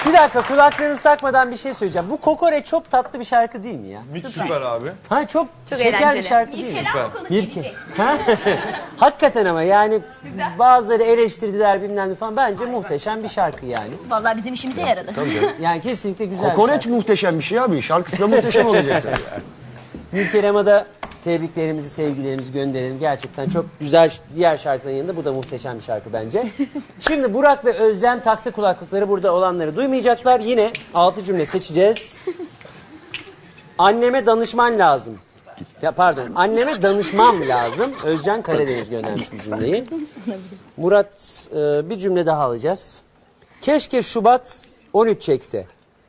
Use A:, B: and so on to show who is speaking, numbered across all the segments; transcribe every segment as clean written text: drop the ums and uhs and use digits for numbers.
A: Bir dakika, kulaklarınızı takmadan bir şey söyleyeceğim. Bu Kokoreç çok tatlı bir şarkı değil mi ya?
B: Süper abi.
A: Ha, çok şeker
C: eğlenceli.
A: bir şarkı değil mi?
C: Süper.
A: Bir ha? Hakikaten ama yani bazıları eleştirdiler bilmem ne falan. Bence muhteşem bir şarkı yani.
C: Vallahi bizim işimize yaradı.
A: Yani kesinlikle güzel.
D: Kokoreç muhteşem bir şey abi. Şarkısı da muhteşem olacak tabii.
A: Nilkerem'e de tebriklerimizi, sevgilerimizi gönderelim. Gerçekten çok güzel diğer şarkıların yanında bu da muhteşem bir şarkı bence. Şimdi Burak ve Özlem taktı kulaklıkları, burada olanları duymayacaklar. Yine 6 cümle seçeceğiz. Anneme danışman lazım. Ya pardon, anneme danışmam lazım. Özcan Karadeniz göndermiş bu cümleyi. Murat, bir cümle daha alacağız. Keşke Şubat 13 çekse.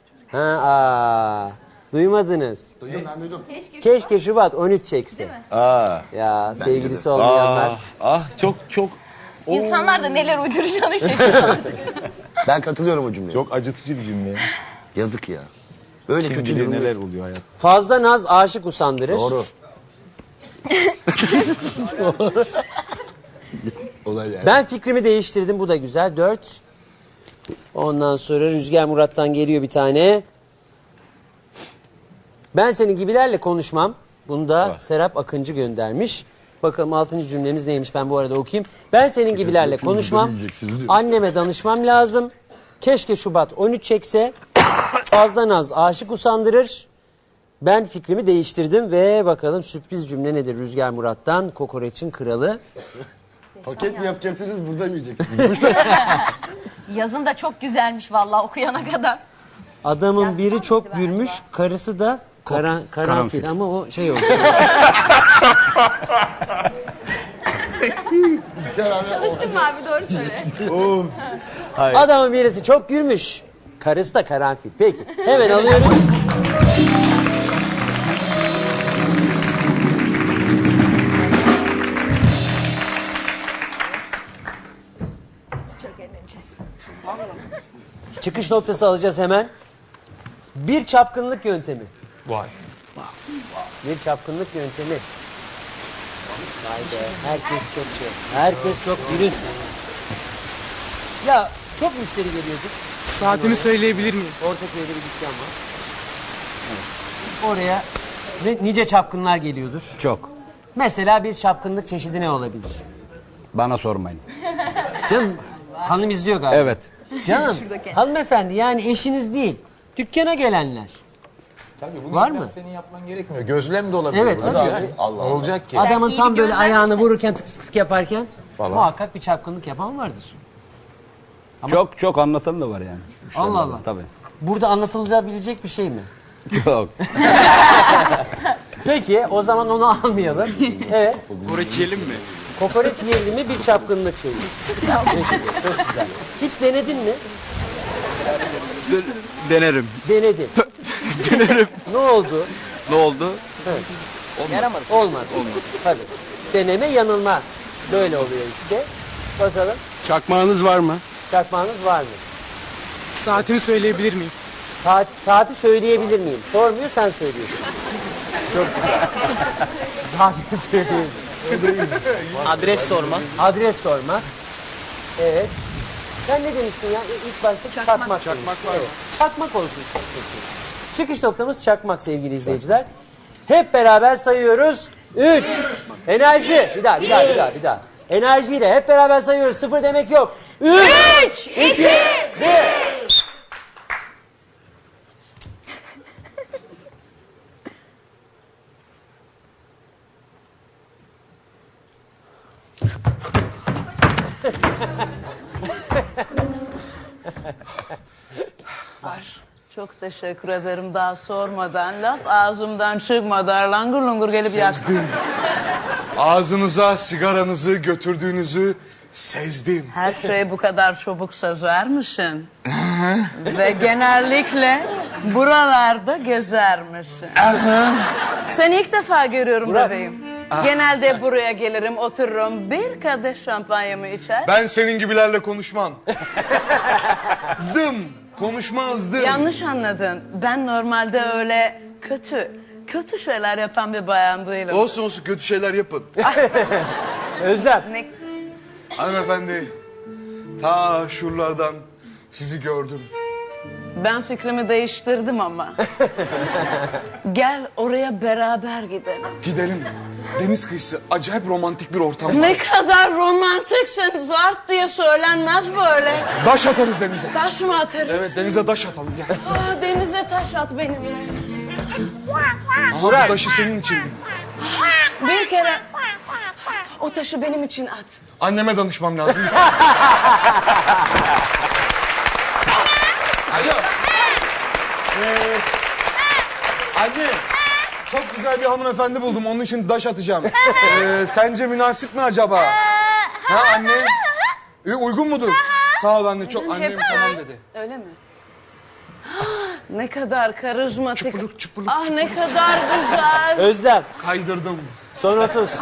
A: Duymadınız.
D: Duydum, ben duydum.
A: Keşke Şubat 13 çekse. Ya sevgilisi olmayanlar.
B: Çok
C: İnsanlar da neler uyduracağını şaşırıyor.
D: Ben katılıyorum o cümleye.
B: çok acıtıcı bir cümle.
D: Yazık ya. Böyle
B: Kim
D: kötü
B: bilir
D: durumdayız.
B: neler oluyor hayat.
A: Fazla naz aşık usandırır.
D: Doğru. Olay yani.
A: Ben fikrimi değiştirdim, bu da güzel. 4. Ondan sonra Rüzgar Murat'tan geliyor bir tane. Ben senin gibilerle konuşmam. Bunu da Serap Akıncı göndermiş. Bakalım 6. cümlemiz neymiş, ben bu arada okuyayım. Ben senin gibilerle konuşmam. Anneme danışmam lazım. Keşke Şubat 13 çekse. Fazla naz aşık usandırır. Ben fikrimi değiştirdim ve bakalım sürpriz cümle nedir Rüzgar Murat'tan? Kokoreç'in kralı.
D: Paket mi yapacaksınız, buradan yiyeceksiniz.
C: Yazın da çok güzelmiş vallahi okuyana kadar.
A: Adamın biri çok gülmüş, karısı da karanfil ama o şey oldu.
C: Çalıştın mı abi, doğru söyle.
A: Adamın birisi çok gülmüş, karısı da karanfil. Peki, hemen alıyoruz.
C: Çok eğleneceğiz.
A: Çıkış noktası alacağız hemen. Bir çapkınlık yöntemi.
B: Vay.
A: Bir çapkınlık yöntemi. Vay be, herkes çok şey. Herkes çok dürüst. Ya çok müşteri geliyordu.
E: Saatini söyleyebilir miyim?
A: Ortaköy'de bir dükkan var. Oraya nice çapkınlar geliyordur.
F: Çok.
A: Mesela bir çapkınlık çeşidi ne olabilir?
F: Bana sormayın.
A: Canım, hanım izliyor galiba.
F: Evet.
A: Canım, hanımefendi yani eşiniz değil. Dükkana gelenler.
B: Tabii bunu
A: Var mı?
B: senin yapman gerekmiyor. Gözlem de olabilir.
A: Evet,
B: burada.
A: tabii.
B: Yani.
D: Allah Allah.
B: Olacak ki.
A: Adamın
C: iyi
A: tam
C: bir
A: böyle
C: gözlemcisin.
A: ayağını vururken tık tık tık yaparken
B: Falan.
A: muhakkak bir çapkınlık yapan vardır.
F: Çok çok anlatan da var yani.
A: Allah Allah.
F: Tabii.
A: Burada anlatılabilecek bir şey mi?
F: Yok.
A: Peki o zaman onu almayalım. Evet.
E: Kokoreç yiyelim mi?
A: Kokoreç yiyelim mi bir çapkınlık şeyi. Peki, çok güzel. Hiç denedin mi?
E: Denerim.
A: Denedim. Ne oldu?
E: Ne oldu?
A: Olmadı. Tabii. Deneme yanılma. Böyle oluyor işte. Bakalım
E: Çakmağınız var mı?
A: çakmağınız var mı?
E: Saatini söyleyebilir miyim?
A: Saati söyleyebilir miyim? Sormuyor, sen söylüyorsun. Çok güzel. Saati söyleyebilir.
E: Adres sorma.
A: Adres sorma. Evet. Sen ne demiştin ya? İlk başta çakmak.
E: Çakmak var
A: Evet.
E: mı?
A: Çakmak olsun. Çıkış noktamız çakmak sevgili izleyiciler. Hep beraber sayıyoruz. 3. Enerji. Bir daha. Enerjiyle hep beraber sayıyoruz. 0 demek yok. 3, 2, 1.
G: Çok teşekkür ederim, daha sormadan, laf ağzımdan çıkmadan langur lungur gelip yaktın.
H: Ağzınıza sigaranızı götürdüğünüzü sezdim.
G: Her şeyi bu kadar çabuk sezer misin? Ve genellikle buralarda gezer misin? Seni ilk defa görüyorum bebeğim. Genelde buraya gelirim, otururum, bir kadeh şampanyamı içer.
H: Ben senin gibilerle konuşmam. Konuşmazdım.
G: Yanlış anladın. Ben normalde öyle kötü şeyler yapan bir bayan değilim.
H: Olsun kötü şeyler yapın.
A: Özlem.
G: Ne?
H: Hanımefendi, ta şuralardan sizi gördüm.
G: Ben fikrimi değiştirdim ama. Gel oraya beraber gidelim.
H: Gidelim. Deniz kıyısı acayip romantik bir ortam var.
G: Ne kadar romantiksin, zart diye söylenmez böyle.
H: Daş atarız denize.
G: Taş mı atarız?
H: Evet denize daş atalım gel.
G: Aa, denize taş at benimle.
H: Aha, bu taşı senin için.
G: Bir kere o taşı benim için at.
H: Anneme danışmam lazım. Bir saniye. Alo. Anne. Çok güzel bir hanımefendi buldum. Onun için daş atacağım. Sence münasip mi acaba? Ha anne? Uygun mudur? Sağ ol anne. Çok annem tamam dedi.
G: Öyle mi? Ne kadar karizmatik.
H: Çıpılık, çıpılık,
G: Ah ne
H: çıpılık,
G: kadar güzel.
A: Özlem.
H: Kaydırdım.
A: Son 30.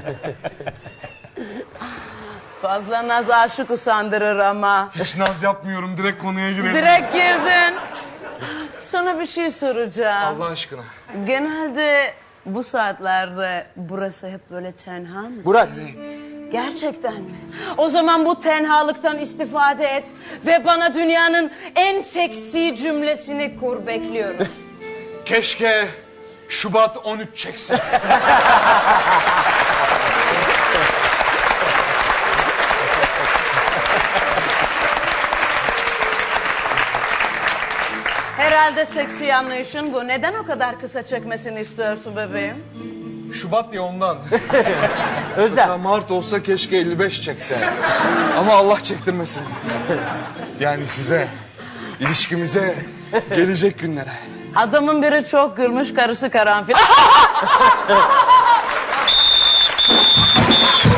G: Fazla naz aşık usandırır ama.
H: Hiç naz yapmıyorum. Direkt konuya girelim.
G: Direkt girdin. Sana bir şey soracağım.
H: Allah aşkına.
G: Genelde bu saatlerde burası hep böyle tenha mı?
A: Burak.
G: Gerçekten mi? O zaman bu tenhalıktan istifade et ve bana dünyanın en seksi cümlesini kur, bekliyorum.
H: Keşke Şubat 13 çekse.
G: Herhalde seksi anlayışın bu. Neden o kadar kısa çekmesini istiyorsun bebeğim?
H: Şubat ya ondan. Mesela
A: Özlem.
H: Mart olsa keşke 55 çekse. Ama Allah çektirmesin. Yani size, ilişkimize, gelecek günlere.
G: Adamın biri çok gülmüş, karısı karanfil.